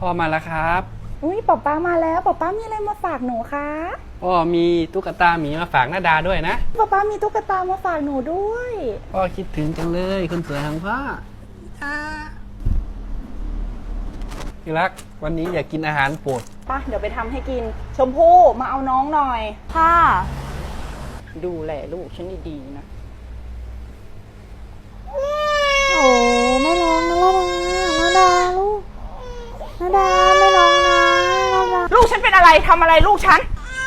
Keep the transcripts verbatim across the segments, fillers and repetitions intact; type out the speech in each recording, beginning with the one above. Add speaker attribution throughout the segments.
Speaker 1: พ่อมาแล้วครับ
Speaker 2: อุ้ยป๊าป๊ามาแล้วป๊าป๊ามีอะไรมาฝากหนูคะ
Speaker 1: พ่อมีตุ๊กตาหมีมาฝากน้าดาด้วยนะ
Speaker 2: ป๊าป๊ามีตุ๊กตามาฝากหนูด้วย
Speaker 1: พ่อคิดถึงจังเลยคนสวยของพ่อที่รักวันนี้อยากกินอาหารโปรด
Speaker 2: ป่ะเดี๋ยวไปทำให้กินชมพู่มาเอาน้องหน่อยค่ะดูแลลูกฉันดีๆนะ
Speaker 3: โอ้ไม่ร้องนะนาดานาดาลูกนาดาไม่ร้องนะนาดา
Speaker 2: ลูกฉันเป็นอะไรทำอะไรลูกฉัน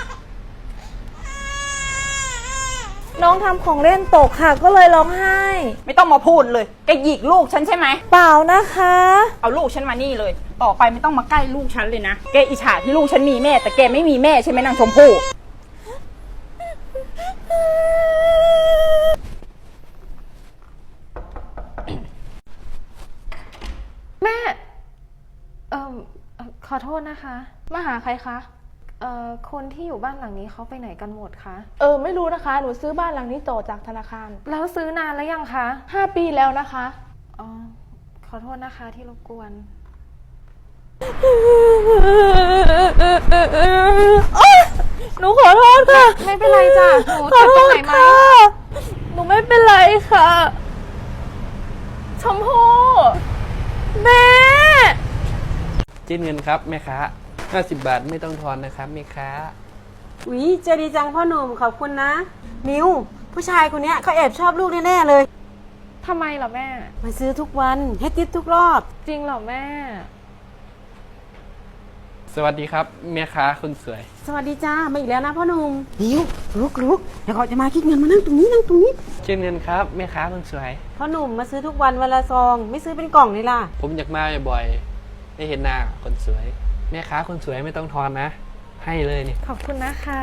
Speaker 3: น้องทำของเล่นตกค่ะก็เลยร้องไห้
Speaker 2: ไม่ต้องมาพูดเลยแกหยิกลูกฉันใช่ไหม
Speaker 3: เปล่านะคะ
Speaker 2: เอาลูกฉันมานี่เลยต่อไปไม่ต้องมาใกล้ลูกฉันเลยนะแกอิจฉาที่ลูกฉันมีแม่แต่แกไม่มีแม่ใช่ไหมนางชมพู่
Speaker 3: แม่เอ่อขอโทษนะคะมาหาใครคะเอ่อคนที่อยู่บ้านหลังนี้เขาไปไหนกันหมดคะ
Speaker 4: เออไม่รู้นะคะหนูซื้อบ้านหลังนี้ต่อจากธนาคาร
Speaker 3: แล้วซื้อนานแล้วยังคะ
Speaker 4: ห้าปีแล้วนะคะ
Speaker 3: อ๋อขอโทษนะคะที่รบกวนหนูขอโทษค่ะไม่เป็นไรจ้ะหนูเจ็บตรงไหนไหมหนูไม่เป็นไรค่ะชมพู่แม่
Speaker 1: เจ๊เงินครับแม่ค้าห้าสิบบาทไม่ต้องทอนนะครับแม่ค้า
Speaker 5: อุ๊ยเจดีจังพ่อหนุ่มขอบคุณนะมิวผู้ชายคนนี้เขาแอบชอบลูกแน่ๆเลย
Speaker 3: ทำไมเหรอแม่
Speaker 5: มาซื้อทุกวันให้ติ๊บทุกรอบ
Speaker 3: จริงเหรอแม่
Speaker 1: สวัสดีครับแม่ค้าคนสวย
Speaker 5: สวัสดีจ้ามาอีกแล้วนะพ่อหนุ่มมิวลุกลุกเดี๋ยวเขาจะมาคิดเงินมานั่งตรงนี้นั่งตรงนี้
Speaker 1: เจ๊เงินครับแม่ค้าคนสวย
Speaker 5: พ่อหนุ่มมาซื้อทุกวันวันละซองไม่ซื้อเป็นกล่องนี่ล่ะ
Speaker 1: ผมอยากมาบ่อยๆได้เห็นหน้าคนสวยแม่ค้าคนสวยไม่ต้องทอนนะให้เลยนี่
Speaker 3: ขอบคุณนะคะ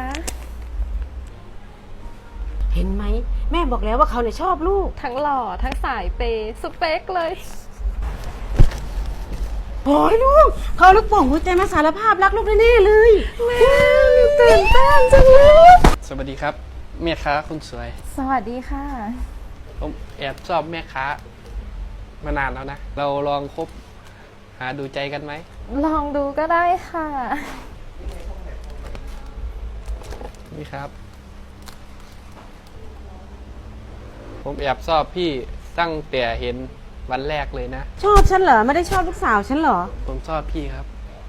Speaker 5: เห็นไหมแม่บอกแล้วว่าเขาเนี่ยชอบลูก
Speaker 3: ทั้งหล่อทั้งสายเปย์สเปคเลย
Speaker 5: โอ้ยลูกเขาลูกโป่งหัวใจมาสารภาพรักลูกแน่ๆเลย
Speaker 3: แม่ตื่นเต้นจังเลย
Speaker 1: สวัสดีครับแม่ค้าคนสวย
Speaker 3: สวัสดีค่ะ
Speaker 1: ผมแอบชอบแม่ค้ามานานแล้วนะเราลองคบหาดูใจกันไหม
Speaker 3: ลองดูก็ได้ค่ะ
Speaker 1: นี่ครับผมแอบชอบพี่ตั้งแต่เห็นวันแรกเลยนะ
Speaker 5: ชอบฉันเหรอไม่ได้ชอบลูกสาวฉันเหรอ
Speaker 1: ผมชอบพี่ครับ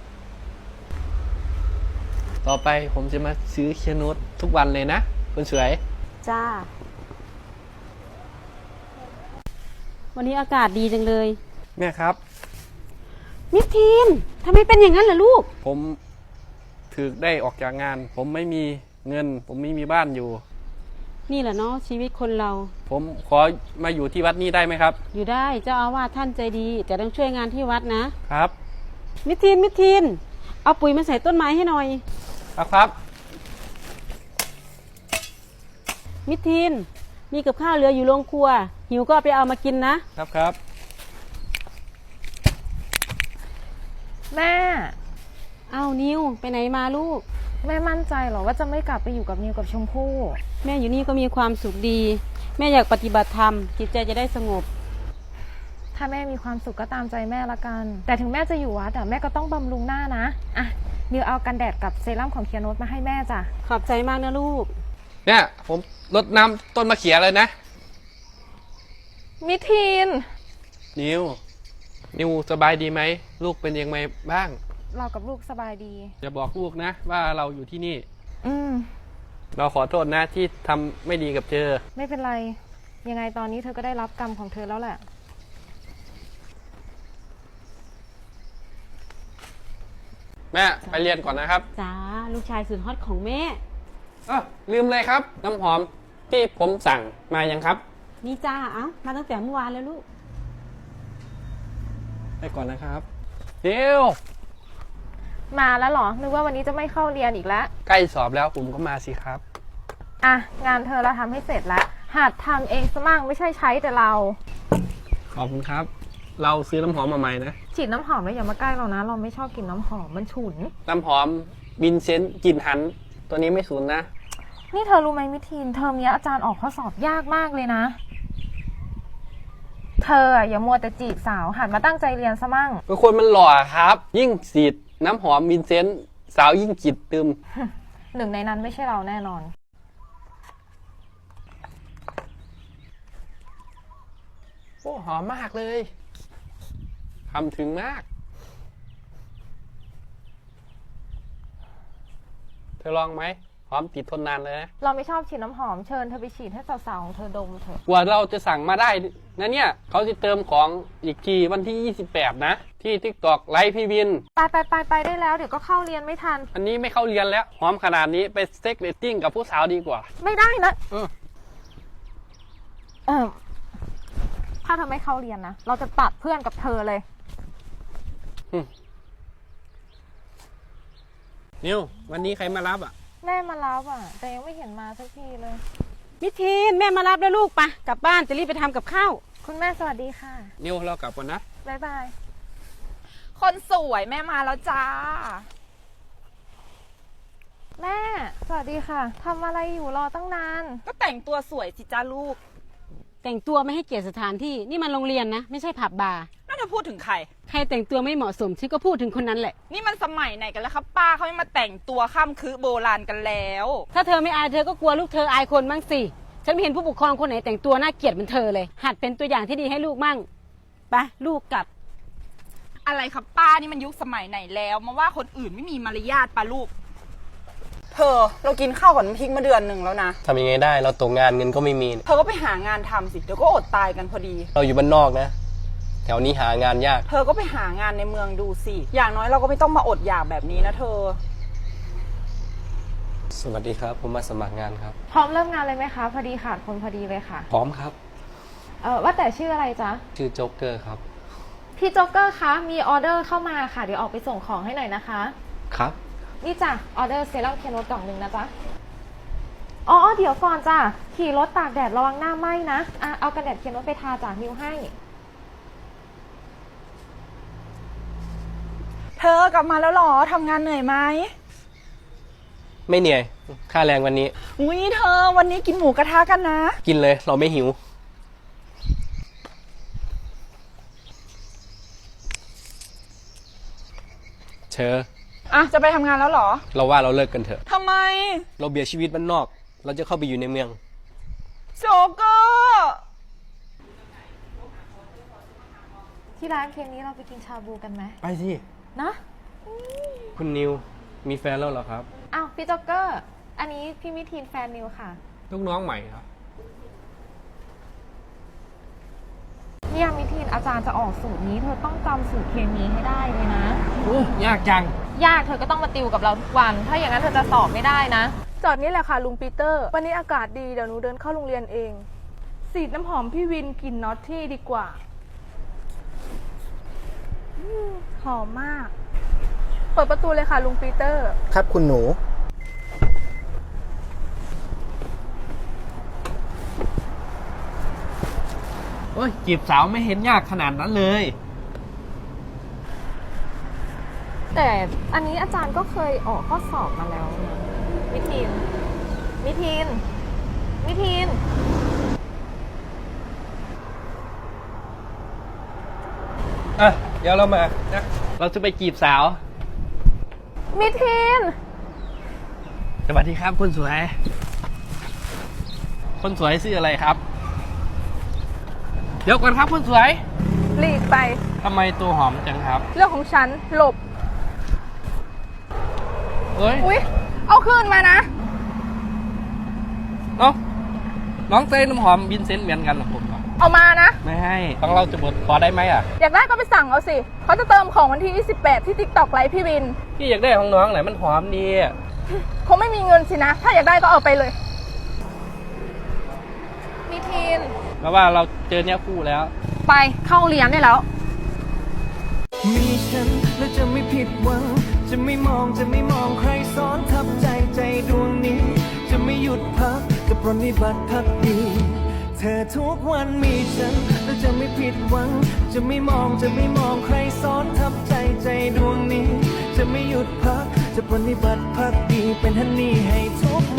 Speaker 1: ต่อไปผมจะมาซื้อเคียนุสทุกวันเลยนะคนสวย
Speaker 5: จ้าวันนี้อากาศดีจังเลย
Speaker 1: แม่ครับ
Speaker 5: มิทีนทำไมเป็นอย่างนั้นล่ะลูก
Speaker 1: ผมถึกได้ออกจากงานผมไม่มีเงินผมไม่มีบ้านอยู่
Speaker 5: นี่แหละเนาะชีวิตคนเรา
Speaker 1: ผมขอมาอยู่ที่วัดนี้ได้ไหมครับ
Speaker 5: อยู่ได้เจ้าอาวาสท่านใจดีแต่ต้องช่วยงานที่วัด
Speaker 1: นะครับ
Speaker 5: มิทีนมิทีนเอาปุ๋ยมาใส่ต้นไม้ให้หน่อย
Speaker 1: ครับครับ
Speaker 5: มิทีนมีกับข้าวเหลืออยู่โรงครัวหิวก็ไปเอามากินนะครับ
Speaker 1: ครับ
Speaker 3: แม่
Speaker 5: เอานิวไปไหนมาลูก
Speaker 3: แม่มั่นใจเหรอว่าจะไม่กลับไปอยู่กับนิวกับชมพู่
Speaker 5: แม่อยู่นี่ก็มีความสุขดีแม่อยากปฏิบัติธรรมจิตใจจะได้สงบ
Speaker 3: ถ้าแม่มีความสุขก็ตามใจแม่ละกันแต่ถึงแม่จะอยู่วัดแต่แม่ก็ต้องบำรุงหน้านะอ่ะนิวเอากันแดดกับเซรั่มของเคียโนสมาให้แม่จ้ะ
Speaker 5: ขอบใจมากนะลูก
Speaker 1: เนี่ยผมรดน้ำต้นมะเขือเลยนะ
Speaker 3: มิทีน
Speaker 1: นิวนิวสบายดีไหมลูกเป็นยังไงบ้าง
Speaker 3: เรากับลูกสบายดี
Speaker 1: อย่าบอกลูกนะว่าเราอยู่ที่นี่
Speaker 3: อืม
Speaker 1: เราขอโทษนะที่ทำไม่ดีกับเธอ
Speaker 3: ไม่เป็นไรยังไงตอนนี้เธอก็ได้รับกรรมของเธอแล้วแหละ
Speaker 1: แม่ไปเรียนก่อนนะครับ
Speaker 5: จ้าลูกชายสุดฮอตของแม่
Speaker 1: เออลืมเลยครับน้ำหอมที่ผมสั่งมายังครับ
Speaker 5: นี่จ้าเอ้ามาตั้งแต่เมื่อวานแล้วลูก
Speaker 1: ไปก่อนนะครับเดี๋ยว
Speaker 3: มาแล้วเหรอนึกว่าวันนี้จะไม่เข้าเรียนอีกแล้ว
Speaker 1: ใกล้สอบแล้วผมก็มาสิครับ
Speaker 3: อ่ะงานเธอเราทำให้เสร็จแล้วหัดทำเองซะมั่งไม่ใช่ใช้แต่เรา
Speaker 1: ขอบคุณครับเราซื้อน้ำหอมมาใหม่นะ
Speaker 3: ฉีดน้ำหอมแล้วอย่ามาใกล้เรานะเราไม่ชอบกลิ่นน้ำหอมมันฉุน
Speaker 1: น้ำหอมวินเซนต์กลิ่นหันตัวนี้ไม่สูญนะ
Speaker 3: นี่เธอรู้ไหมมิทีนเทอมนี้อาจารย์ออกข้อสอบยากมากเลยนะเธออะอย่ามัวแต่จีบสาวหันมาตั้งใจเรียนซะมั่ง
Speaker 1: เป็นคนมันหล่อครับ ยิ่งฉีดน้ำหอมวินเซนต์สาวยิ่งจิตตึม
Speaker 3: หนึ่งในนั้นไม่ใช่เราแน่นอน
Speaker 1: โอ้หอมมากเลยทำถึงมาก เธอลองไหมหอมติดทนนานเลยนะ
Speaker 3: เราไม่ชอบฉีดน้ำหอมเชิญเธอไปฉีดให้สาวๆของเธอดมเถอะ
Speaker 1: กว่าเราจะสั่งมาได้นะเนี่ยเขาจะเติมของอีกทีวันที่ยี่สิบแปดนะ ที่ TikTok ไลฟ์พี่วิน
Speaker 3: ไปไปไปไปได้แล้วเดี๋ยวก็เข้าเรียนไม่ทัน
Speaker 1: อันนี้ไม่เข้าเรียนแล้ว หอมขนาดนี้ไปเซ็กเรตติ้งกับผู้สาวดีกว่า
Speaker 3: ไม่ได้นะ
Speaker 1: เออ
Speaker 3: เออถ้าเธอไม่เข้าเรียนนะ เราจะตัดเพื่อนกับเธอเลย
Speaker 1: นิววันนี้ใครมารับอ่ะ
Speaker 3: แม่มารับอ่ะ แต่ยังไม่เห็นมาสักทีเลย
Speaker 5: มิทีนแม่มารับแล้วลูกปะกลับบ้านจะรีบไปทำกับข้าว
Speaker 3: คุณแม่สวัสดีค่ะ
Speaker 1: นิวเรากลับก่อนนะ
Speaker 3: บ๊ายบาย
Speaker 2: คนสวยแม่มาแล้วจ้า
Speaker 3: แม่ สวัสดีค่ะทำอะไรอยู่รอตั้งนาน
Speaker 2: ก็แต่งตัวสวยสิจ้าลูก
Speaker 5: แต่งตัวไม่ให้เกียรติสถานที่นี่มันโรงเรียนนะไม่ใช่ผับบาร์
Speaker 2: น่าจะพูดถึงใคร
Speaker 5: ใครแต่งตัวไม่เหมาะสมฉันก็พูดถึงคนนั้นแหละ
Speaker 2: นี่มันสมัยไหนกันแล้วครับป้าเขาไม่มาแต่งตัวข้ามคือโบราณกันแล้ว
Speaker 5: ถ้าเธอไม่อายเธอก็กลัวลูกเธออายคนบ้างสิฉันไม่เห็นผู้ปกครองคนไหนแต่งตัวน่าเกลียดเหมือนเธอเลย หัดเป็นตัวอย่างที่ดีให้ลูกมั่งไปลูกกลับ
Speaker 2: อะไรครับป้านี่มันยุคสมัยไหนแล้วมาว่าคนอื่นไม่มีมารยาทป้าลูกเธอเรากินข้าวกับน้ำพริกมาเดือนหนึ่งแล้วนะ
Speaker 1: ทำยังไงได้เราตกงานเงินก็ไม่มี
Speaker 2: เธอก็ไปหางานทำสิเดี๋ยวก็อดตายกันพอดี
Speaker 1: เราอยู่บ้านนอกนะ แถวนี้หางานยาก
Speaker 2: เธอก็ไปหางานในเมืองดูสิอย่างน้อยเราก็ไม่ต้องมาอดอยากแบบนี้นะเธอ
Speaker 1: สวัสดีครับ ผมมาสมัครงานครับ
Speaker 3: พร้อมเริ่มงานเลยไหมคะ พอดีขาดคนพอดีเลยค่ะ
Speaker 1: พร้อมครับ
Speaker 3: เออว่าแต่ชื่ออะไรจ๊ะ
Speaker 1: ชื่อโจ๊กเกอร์ครับ
Speaker 3: พี่โจ๊กเกอร์คะ มีออเดอร์เข้ามาค่ะ เดี๋ยวออกไปส่งของให้หน่อยนะคะ
Speaker 1: ครับ
Speaker 3: นี่จ้ะ ออเดอร์เซรั่มเคนโนตกล่องหนึ่งนะจ๊ะ อ๋อ เดี๋ยวก่อนจ้ะ ขี่รถตากแดดระวังหน้าไหม้นะ อ่ะ เอากันแดดเคนโนตไปทาจากนิ้วให้
Speaker 2: เธอกลับมาแล้วหรอทำงานเหนื่อยไหม
Speaker 1: ไม่เหนื่อย ค่าแรงวันนี้
Speaker 2: อุ้ยเธอวันนี้กินหมูกระทะกันนะ
Speaker 1: กินเลยเราไม่หิว เชอ
Speaker 2: อ่ะจะไปทำงานแล้วหรอ
Speaker 1: เราว่าเราเลิกกันเถอะ
Speaker 2: ทำไม
Speaker 1: เราเบียดชีวิตบ้านนอก เราจะเข้าไปอยู่ในเมือง
Speaker 2: โจกเกอร์
Speaker 3: ที่ร้านเคนนี้เราไปกินชาบูกันไหม
Speaker 1: ไปสิ
Speaker 3: นะ
Speaker 1: คุณนิว มีแฟนแล้วเหรอครับ
Speaker 3: อ้าวพี่โจ๊กเกอร์ อันนี้พี่มิทีนแฟนนิวค่ะ
Speaker 1: ลูกน้องใหม่ครับ
Speaker 3: เนี่ยมิทีนอาจารย์จะออกสูตรนี้ เธอต้องจำสูตรเคมีให้ได้เลยนะ
Speaker 1: โอ้ยากจัง
Speaker 3: ยากเธอก็ต้องมาติวกับเราทุกวัน ถ้าอย่างนั้นเธอจะสอบไม่ได้นะ
Speaker 4: จอดนี่แหละค่ะลุงปีเตอร์ วันนี้อากาศดีเดี๋ยวหนูเดินเข้าโรงเรียนเอง สีดน้ำหอมพี่วินกลิ่นน็อตที่ดีกว่าอืมหอมมาก เปิดประตูเลยค่ะลุงปีเตอร์
Speaker 6: ครับคุณหนู
Speaker 1: โอ้ยจีบสาวไม่เห็นยากขนาดนั้นเลย
Speaker 3: แต่อันนี้อาจารย์ก็เคยออกข้อสอบมาแล้วนะมิทีน มิทีน มิทีน
Speaker 1: อ่ะ เดี๋ยวเรามานะเราจะไปจีบสาว
Speaker 3: มิทีน
Speaker 1: สวัสดีครับคุณสวย คนสวยชื่ออะไรครับ เดี๋ยวก่อนครับคุณสวย
Speaker 4: หลีกไป
Speaker 1: ทำไมตัวหอมจังครับ
Speaker 4: เรื่องของฉันหลบ
Speaker 1: เอ้ย
Speaker 4: อุ๊ย เอาคืนมานะ
Speaker 1: น้องน้องเซน้ำหอมวินเซนต์เหมือนกันเหรอผมเหรอ
Speaker 4: เอามานะ
Speaker 1: ไม่ให้ต้องเราจะบดขอได้ไหมอ่ะ
Speaker 4: อยากได้ก็ไปสั่งเอาสิ เขาจะเติมของวันที่ยี่สิบแปดที่ TikTok ไลฟ์พี่วิน
Speaker 1: พี่อยากได้ของน้องไหนมันหอมดีอะ
Speaker 4: คงไม่มีเงินสินะ ถ้าอยากได้ก็เอาไปเลย
Speaker 3: มิทีน
Speaker 1: แล้วว่าเราเจอเนี้ยคู่แล้ว
Speaker 3: ไปเข้าเรียนได้แล้ว
Speaker 7: มีฉันแล้วจะไม่ผิดหวัง จะไม่มองจะไม่มองใครซ้อนทับใจใจดวงนี้ จะไม่หยุดพักจะปรนนิบัติพักดี เธอทุกวันมีฉันแล้วจะไม่ผิดหวัง จะไม่มองจะไม่มองใครซ้อนทับใจใจดวงนี้ จะไม่หยุดพักจะปรนนิบัติพักดีเป็นฮันนี่ให้ทุก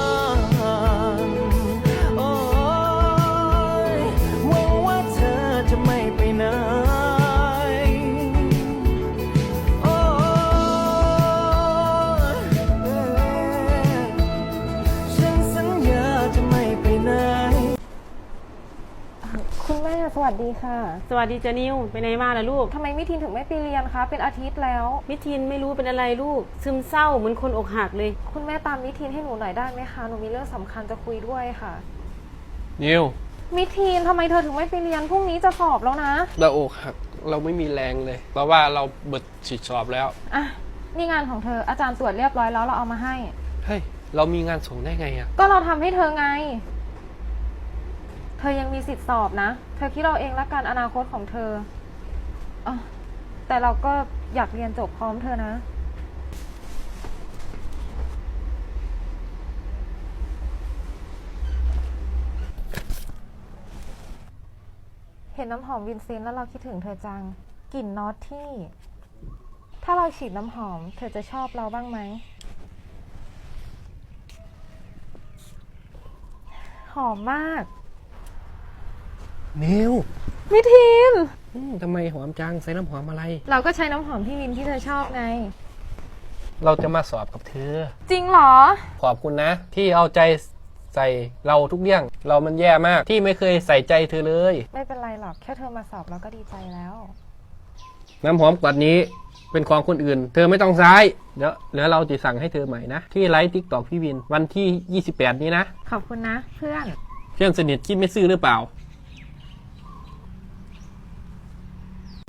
Speaker 7: วันโอ้ยหวังว่าเธอจะ
Speaker 4: วัสดีค่ะ
Speaker 5: สวัสดีจ้านิวไปไหนมาล่ะลูก
Speaker 4: ทำไมมิทินถึงไม่ไปเรียนคะ เป็นอาทิตย์แล้ว
Speaker 5: มิทินไม่รู้เป็นอะไรลูก ซึมเศร้าเหมือนคนอกหักเลย
Speaker 4: คุณแม่ตามมิทินให้หนูหน่อยได้ไหมคะ หนูมีเรื่องสำคัญจะคุยด้วยค่ะ
Speaker 1: นิว
Speaker 4: มิทินทำไมเธอถึงไม่ไปเรียน พรุ่งนี้จะสอบแล้วนะ
Speaker 1: เราอกหักเราไม่มีแรงเลย เพราะว่าเราเบิดฉีดสอบแล้ว
Speaker 4: อ่ะ นี่งานของเธอ อาจารย์ตรวจเรียบร้อยแล้วเราเอามาให้
Speaker 1: เฮ้ย เรามีงานส่งได้ไงอะ
Speaker 4: ก็เราทำให้เธอไง เธอยังมีสิทธิ์สอบนะ เธอคิดเราเองละกันอนาคตของเธออ่ะแต่เราก็อยากเรียนจบพร้อมเธอนะ เห็นน้ำหอมวินเซนต์แล้วเราคิดถึงเธอจัง กลิ่นนอตที่ ถ้าเราฉีดน้ำหอม เธอจะชอบเราบ้างไหม หอมมาก
Speaker 1: นิว
Speaker 4: มิทิน
Speaker 1: อืมทำไมหอมจังใส่น้ำหอมอะไร
Speaker 4: เราก็ใช้น้ำหอมพี่วินที่เธอชอบไง
Speaker 1: เราจะมาสอบกับเธอ
Speaker 4: จริงเหรอ
Speaker 1: ขอบคุณนะ ที่เอาใจใส่เราทุกเรื่อง เรามันแย่มากที่ไม่เคยใส่ใจเธอเลย
Speaker 4: ไม่เป็นไรหรอก แค่เธอมาสอบเราก็ดีใจแล้ว
Speaker 1: น้ำหอมกวดนี้เป็นของคนอื่น เธอไม่ต้องใช้เดี๋ยวเดี๋ยวเราจะสั่งให้เธอใหม่นะ ที่ไลฟ์ติ๊กต็อกพี่วินวันที่ยี่สิบแปดนี้นะ
Speaker 4: ขอบคุณนะ เพื่อน
Speaker 1: เพื่อนสนิทคิดไม่ซื่อหรือเปล่า